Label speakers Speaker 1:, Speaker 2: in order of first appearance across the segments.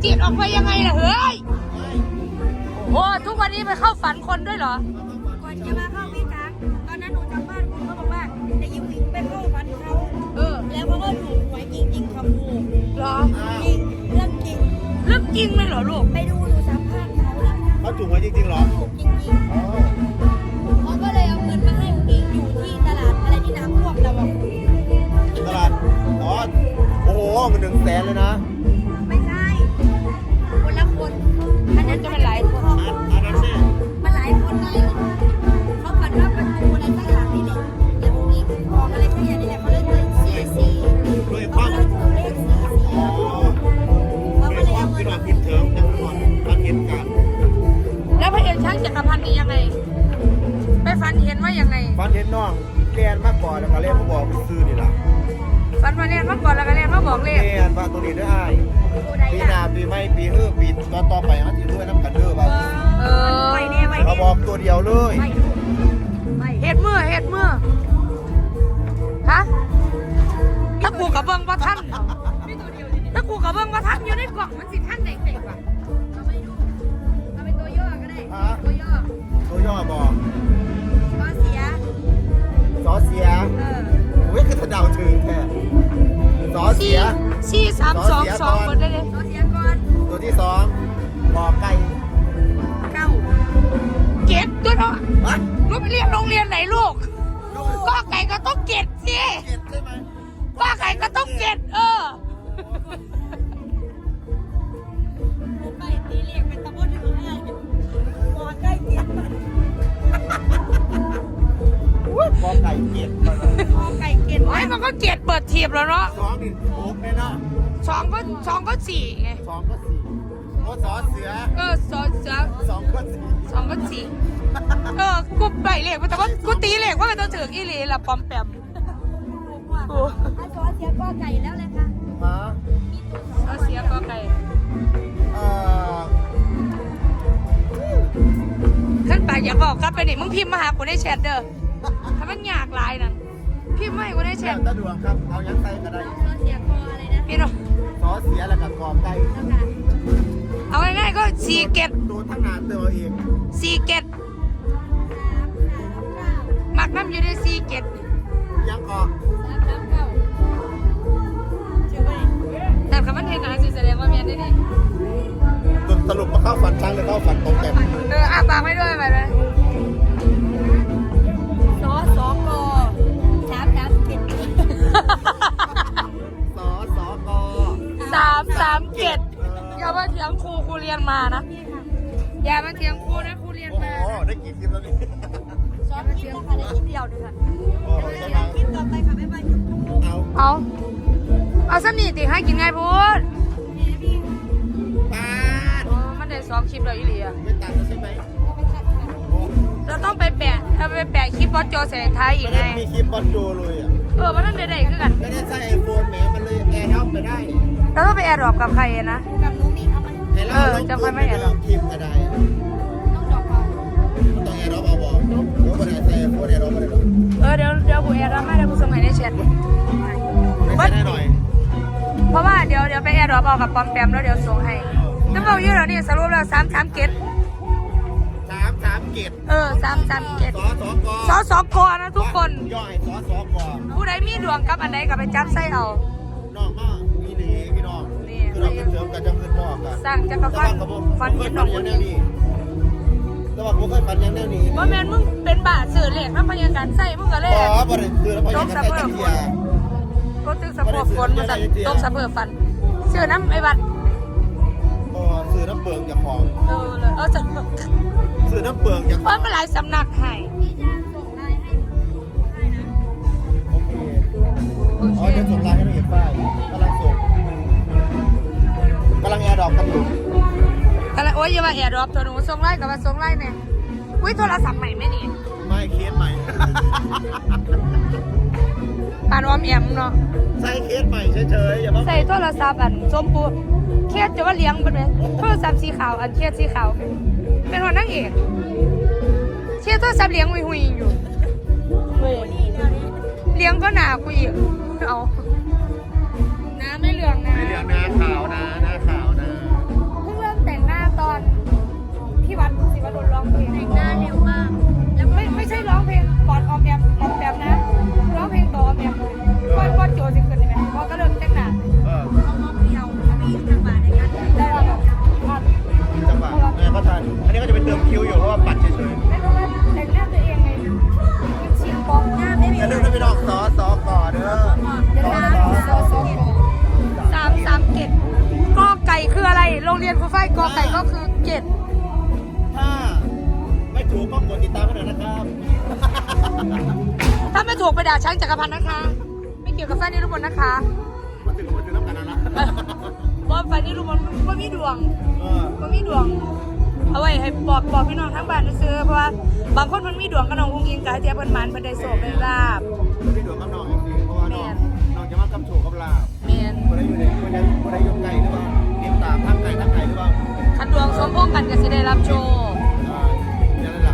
Speaker 1: จิตออกไปยังไงล่ะเฮ้ยโอ้ทุกวันนี้ไปเข้าฝันคนด้วยเหรอ
Speaker 2: ก่อนจะมาเข้าพี่ช้างตอนนั้นหนูจากบ้านคุณเขาบอกว่าจะยิงวิ่งไปเข้าฝันเขาแล้วเขาก็ถูกหวยจริงๆค่ะครู
Speaker 1: เหรอ
Speaker 2: จริงเรื่องจริง
Speaker 1: เรื่องจริงเลยเหรอลูก
Speaker 2: ไปดูหนูสัมภาษณ์เขาแล้ว
Speaker 3: เขาถูกไว้จริงๆเหรอ
Speaker 2: ถูกจริงๆเขาก็เลยเอาเงินมาให้หนูอยู่ที่ตลาดอะไรที่น้ำท่วมเราบอก
Speaker 3: ตลาดอ๋อโอ้โหเงิน100,000เลยนะ
Speaker 2: ไม่ใช่คนละคนอันนั้น
Speaker 1: จะเป็นหลายคน
Speaker 3: อันนั้นเนี่ย
Speaker 2: มันหลายคนไงเขาฝันว่าประตูอะไรสักอย่างนี่แหละแล้วมีของอะไรสักอย่างนี่แหละเขาเลยเลย44
Speaker 3: ด้วยค
Speaker 2: เขา
Speaker 3: วาม
Speaker 2: เลยถูกเลข44
Speaker 3: อ๋อ
Speaker 2: เขาก็
Speaker 3: ด้วย
Speaker 2: เลย
Speaker 3: ความ
Speaker 2: เอาเงิ
Speaker 3: คิด
Speaker 2: น
Speaker 3: ว่าพิดเถิงยังก่อนมาเห็นกัน
Speaker 1: แล้วพระเอกช่างจักรพันธ์นี่ยังไงไปฝันเห็นว่ายังไง
Speaker 3: ฟันเห็นน้องเรียนมากก่อนแล้วก็เรียนมาบอกไปซื้อนี่ล่ะ
Speaker 1: ฝันมาเรียนมาก่อนแล้วก็เรียนมาบอกเลข
Speaker 3: เรียนว่าตัวนี้ได้อ้ายปีหน้าปีไม่ปีปีต่อไปเขาจะด้วยน้ำกันเด้อว่า
Speaker 2: ไปเนี่ยไป
Speaker 3: เขาบอกตัวเดียวเลย
Speaker 1: เห็ดเมื่อฮะถ้ากูกับเบิ้งว่าท่านถ้ากูกับเบิ้งว่าท่านอยู่ในกล่องมันสิท่านเด็กๆว่ะ
Speaker 2: เราไม่ดูเราเป็นตัวย่อก็ได้ตัวย่อ
Speaker 3: ตัวย่อบอก
Speaker 2: ก็เสีย
Speaker 3: สอเสียโอ้ยคือถ้าเดาถึงแค่สอเสีย
Speaker 1: 4322คนได้เลย
Speaker 2: ก็เสียก่อน
Speaker 3: ตัวที่2บอกไก่
Speaker 1: เก็ดด้วยเนาะลูกไปเรียนโรงเรียนไหนลูกก็ไก่ก็ต้องเก็ดสิ
Speaker 3: ใช่ไหม
Speaker 1: ก็ไก่ก็ต้องเก็ด
Speaker 2: ไก่ตีเรียกเป็นตะบนอยู่ให้บอกไก่เกียร
Speaker 3: บอกไก่เกียร
Speaker 2: บอกไก่เกียร
Speaker 1: ไอ้มันก็เก็ดเปิดทีบแล้วเนาะ
Speaker 3: 2นี่โอ๊กเลยเนาะ
Speaker 1: 2ก็4ไง
Speaker 3: 2ก็4โอ้สอเสือ
Speaker 1: สอเสือ
Speaker 3: 2ก็
Speaker 1: 2ก็4กูไปเลขแต่ว่ากูตีเลขว่ามันต้องถึงอีหลีละปอมแปม
Speaker 2: กูสอเสียก็ไก่แล้วเลยค่ะ
Speaker 1: สอเสียก็ไก่ขั้นปากอย่าบอกครับไปนี่มึงพิมพ์มาหากูในแชทเด้อถ้ามันยากหลายนั่นพิมพ์มาให้กูในแชท
Speaker 3: ตะดวงครับเอายังไงก็ได้
Speaker 2: สอเสียก็อะไรนะ
Speaker 1: พี่น้อง
Speaker 3: สอเสียแล้วก็กอบไก่
Speaker 1: เอาง่ายๆก็4เก็ด
Speaker 3: ตัวทั้งงานเตอเอง
Speaker 1: 4เก็ดหมักน้ำอยู่ใน4เก็ด
Speaker 3: ยังก่อ
Speaker 1: แต่คำว่าเทงานสิแสดงว่าเมียนได้ดิ
Speaker 3: สรุปมาเข้าฝันช้างหรือเข้าฝันตรงแกม
Speaker 1: อาปากไม่ด้วยไปเลย
Speaker 2: สก
Speaker 1: 337อย่ามาเถียงครูเรียนมานะอย่ามาเถียงครูนะครูเรียนมา
Speaker 3: โอ้ได้กี่คลิปแล้วนี่
Speaker 2: ซ้อมคลิปนะคะได้คลิปเดียวด้วยค่ะเดี๋ยวคลิปต่อไปค่ะบ๊ายบาย
Speaker 1: เอาสนิทติให้กินไงพูดมันได้2คลิปเลยอีหลี
Speaker 3: ไม่ตัดใช่ไหม
Speaker 1: เราต้องไปแปะคลิปบอสโจเสร็จท้ายอีกไง
Speaker 3: มีคลิปบอสโจเลย
Speaker 1: มันนั่นได้ขึ้นกัน
Speaker 3: ไม่ได้ใช้ไอโฟนแหมมันเลยแอร์ท็อปไปได้
Speaker 1: แล้วต้องไปแอร์ดรอปกับใครนะ
Speaker 2: กับนุ้มีเอา
Speaker 1: มาจะค่อยไม่แอร์ดรอป
Speaker 3: คลิปก็ได้
Speaker 2: ต้องดอกเอา
Speaker 3: ต้องแอร์ท็อปเอาบอกแล้วก็ได้ใช้ไอโฟนแอร์ท็อปไปเลย
Speaker 1: เดี๋ยวกูแอร์ดรอปไม่ได้กูส่งให้ในแชท
Speaker 3: ไม่ได้หน่อย
Speaker 1: เพราะว่าเดี๋ยวไปแอร์ดรอปเอากับปอมแปมแล้วเดี๋ยวส่งให้จะบอกเยอะแล้วนี่สรุปแล้ว3เกต
Speaker 3: 3เกต
Speaker 1: 3เกตสกนะทุกคน
Speaker 3: ย่อยสก
Speaker 1: ผู้ใดมีดวงกับอันใดก็ไปจับไส้เอา
Speaker 3: น้องมามีหลีพี่น้องคือเราเป็นเสริมกันจะขึ้นบอกกัน
Speaker 1: สร้างจักรพันธ์ฟันเห็นดอกคนนี้
Speaker 3: แต่ว่าผมเคยฟันยังแนวนี้
Speaker 1: ว่าแมนมึงเป็นบาทสื่อเหล็กนะพยาการไส้มึงก็เลย
Speaker 3: ตกสะเพิด
Speaker 1: ฝนก็ตึกสะเพิดฝนมาสั่นตกสะเพิดฟันเสื้อน้ำไอ้บัด
Speaker 3: ซื้อน้ำเปลืองจากของ
Speaker 1: จะ
Speaker 3: ซื้อน้ำเปลืองจาก
Speaker 1: เพราะมันหลายสำนักให้
Speaker 3: โอเคจะส่งไลน์ให้ละเอียดป้ายกำลังแอร์ดรอปกันอยู่
Speaker 1: โอ้ยอย่ามาแอร์ดรอปตัวหนูส่งไลน์กับมาส่งไลน์เนี่ยอุ้ยโทรศัพท์ใหม่ไหมนี่
Speaker 3: ไม่เคสใหม่
Speaker 1: ปานออมแอมเนาะ
Speaker 3: ใส่เคสใหม่เฉยๆอย่ามา
Speaker 1: ใส่โทรศัพท์อันส้มปูเคสจะว่าเลี้ยงเป็นไหมโทรศัพท์สีขาวอันเคสสีขาวเป็นหัวนั่งเอกเคสโทรศัพท์เลี้ยงหุยอยู่เลี้ยงก็หนากูอีกเอาน้ำไม่เหลืองนะ
Speaker 3: ไม่เหลืองนะขาวนะหน้าขาวนะ
Speaker 1: ครูฝ้ายกอไก่ก็คือเจ็ด
Speaker 3: ถ้าไม่ถูกก็กดติดตามกันหน่อยนะครับ
Speaker 1: ถ้าไม่ถูกไปด่าช้างจักรพันธ์นะคะ ไม่เกี่ยวกับฝ้ายนิรุมนนะคะ
Speaker 3: มาถึงน้ำกันนะ
Speaker 1: เพราะฝ้ายนิรุมนว่ามีดวง ว่ามีดวง เอาไว้ให้บอกพี่น้องทั้งบ้านซื้อเพราะว่าบางคนมันมีดวงกับน้องอุ้งอิงกับเจ้าเพิ่นหมันเพิ่นได้โชคได้ลาบ
Speaker 3: พี่ดวงกับน้องจริงๆเพราะว่าน้องจะมากำโชว์กับลาบ
Speaker 1: แม่น
Speaker 3: คนได้อยู่ในคนได้ยกไก่หรือเปล่าติดตามทั้งไก่หรือเปล่า
Speaker 1: คันดวงสมพงษ์กันก็สิได้รับโชค
Speaker 3: นั่นแหละ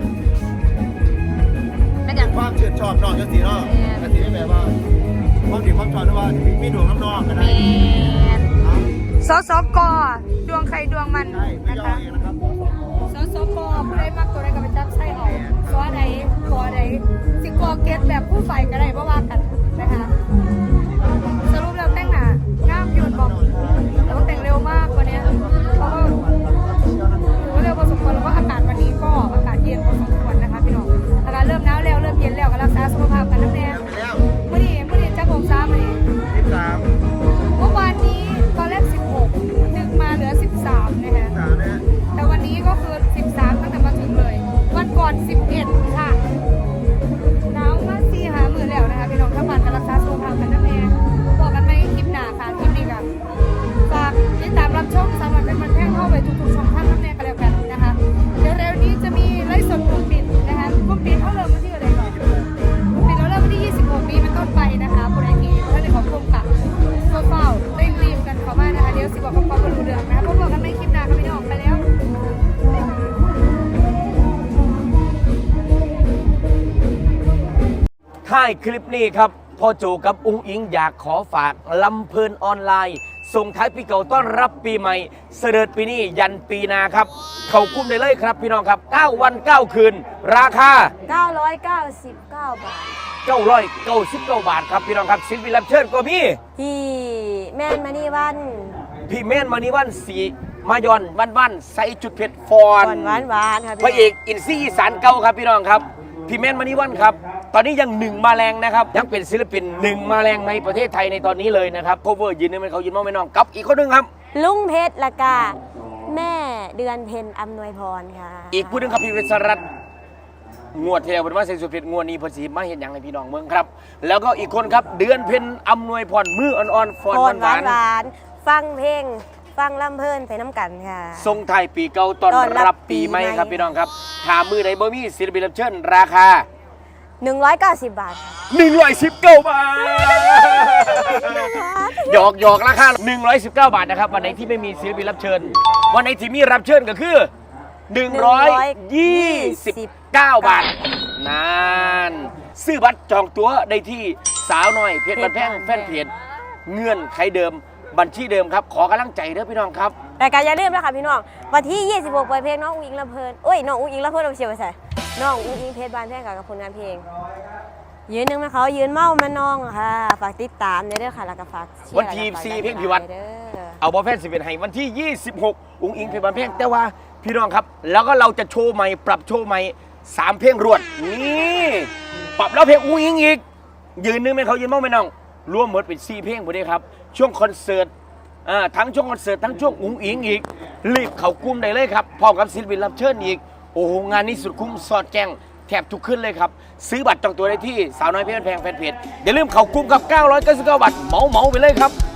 Speaker 1: เป็นอย่าง
Speaker 3: ความเชื่อชอบน้องจังสีเนาะแต่สีไม่แบบว่าความดีความชอบด้วยว่ามีดวงน้ำนองกัน
Speaker 1: แม
Speaker 3: ได้
Speaker 1: นสสกดวงใครดวงมัน
Speaker 3: ใช่ไม่
Speaker 1: นะ
Speaker 3: ยอม
Speaker 1: คะ
Speaker 3: เองนะครับ
Speaker 1: สสกผู้ใดมักตัวใดก็ไปจับใส่เอาขอใดขอใดสิกอเก็ตแบบผู้ฝ่ายก็ได้เพราะว่ากันนะคะสรุปแล้วแต่งหน้างามยืนบอกแต่ว่าแต่งเร็วมากกว่านี้เพราะว่าถือว่าเร็วพอสมควรแล้วก็อากาศวันนี้ก็อากาศเย็นพอสมควรนะคะพี่น้องอากาศเริ่มหนาวแล้วเริ่มเย็นแล้วก็รักษาสุขภาพกันนะแม่
Speaker 3: ไปแล้ว
Speaker 1: เมื่อนี้จะผมซ้ำเลย
Speaker 3: 13
Speaker 1: เมื่อวานนี้ตอนแรก16ดึกมาเหลือ13นะคะ
Speaker 3: 3นะ
Speaker 1: แต่วันนี้ก็คือ13ตั้งแต่มาถึงเลย วันก่อน11ค่ะหนาวมา4 5 มื้อแล้วนะคะพี่น้องทั้งวันกันรักษาสุขภาพกันนะแม่บอกกันในคลิปหน้าค่ะคลิปนี้กันฝากติดตามรับชมสามารถเป็นมันแท่งเข้าไปทุกๆช่องทางนะแม่กันแล้วกันนะคะเดี๋ยวเร็วนี้จะมีไลฟ์สดกลุ่มปิดนะคะกลุ่มปิดเขาเริ่มวันที่อะไรก่อนกลุ่มปิดเราเริ่มวันที่26ปีเป็นต้นไปนะคะบนไอทีท่านในของกลุ่มค่ะเฝ้ารีบกันเข้ามานะคะเดี๋ยวสิบอกกับความรู้เรื่องนะคะพบกันในคลิปหน้าค่ะพี่น้องไปแล้ว
Speaker 4: ท้ายคลิปนี้ครับพ่อโจกับอุ้งอิงอยากขอฝากลำเพลินออนไลน์ส่งท้ายปีเก่าต้อนรับปีใหม่เสด็จปีนี้ยันปีหนาครับ เขากุ้มได้เลยครับพี่น้องครับ 9 วัน 9 คืน ราคา
Speaker 2: 999 บาท
Speaker 4: 999 บาทครับพี่น้องครับศิลปินรับเชิญก็มี
Speaker 2: ที่แม่นมานี่วัน
Speaker 4: พี่เม่นมานิวันสีมายอนวันใส่จุดเผ็ดฟอน
Speaker 2: หวานครับ
Speaker 4: พระเอกอินซี่อีสานเก่าครับพี่น้องครับพี่เม่นมานิวันครับตอนนี้ยังหนึ่งมาแรงนะครับยังเป็นศิลปินหนึ่งมาแรงในประเทศไทยในตอนนี้เลยนะครับโคเวอร์ยืนนึงเป็นเขายืนมองไม่น้องกับอีกคนหนึงครับ
Speaker 2: ลุงเพชรละกาแม่เดือนเพ็ญอำนวยพรค่ะ
Speaker 4: อีกผู้หนึงครับพี่วิศรัตน์งวดที่แล้วเป็นว่าเซนสุดเพชรงวดนี้เพอสีมาเห็นอย่างในพี่น้องเมืองครับ แล้วก็อีกคนครับเดือนเพ็ญอำนวยพรมืออ่อนๆฟอน
Speaker 2: พร
Speaker 4: หวาน
Speaker 2: หวานฟังเพลงฟังลำเพลินไปน้ำกันค่ะ
Speaker 4: ๆทรงไทายปีเก่าต้อนรับปีใหม่ครับพี่น้องครับถามมือไหนบ่มีศิลปินรับเชิญราคา
Speaker 2: 190 บาท
Speaker 4: 119 บาท หยอกราคา 119 บาทนะครับ วันไหนที่ไม่มีศิลปินรับเชิญ วันไหนที่มีรับเชิญก็คือ 129 บาทนานซื้อบัตรจองตั๋วได้ที่สาวน้อยเพจบันแพงแฟนเพจเงื่อนไขเดิมบัญชีเดิมครับ ขอกำลังใจเด้อพี่น้องครับ
Speaker 2: แต่การอย่าลืมนะคะพี่น้องวันที่ 26เปิดเพลงน้องอุ้งอิงลำเพลินน้องอุ้งอิงลำเพลินเอาเชียวไปใส่น้องอุ้งอิงเพชรบานแท่งกับผลงานเพลงยืนหนึ่งมาเขายืนเมามาน้องค่ะฝากติดตามเด้อค่ะแล้วก็ฝากเชียร์
Speaker 4: วันที่
Speaker 2: แล้วก็ฝาก
Speaker 4: 4เพลงพิวัตร
Speaker 2: เด้อ
Speaker 4: เอาบอลแฟน11ให้วันที่ 26 อุ้งอิงเพลงบันเพลงแต่ว่าพี่น้องครับ แล้วก็เราจะโชว์ใหม่ปรับโชว์ใหม่3เพลงรวดนี่ปรับแล้วเพลงอุ้งอิงอีกยืนนึงไม่เขายืนเมาไม่น้องรวมหมดเป็น4เพลงหมดเลยครับช่วงคอนเสิร์ตทั้งช่วงคอนเสิร์ตทั้งช่วงอุ้งอิงอีกรีบเข้ากลุ่มได้เลยครับพร้อมกับศิลปินรับเชิญอีกโอ้โหงานนี้สุดคุ้มสอดแจ้งแทบทุกขึ้นเลยครับซื้อบัตรจองตัวได้ที่สาวน้อยเพชรแพงแฟนเพจอย่าลืมเข้ากลุ่มกับ999 บาทเหมาไปเลยครับ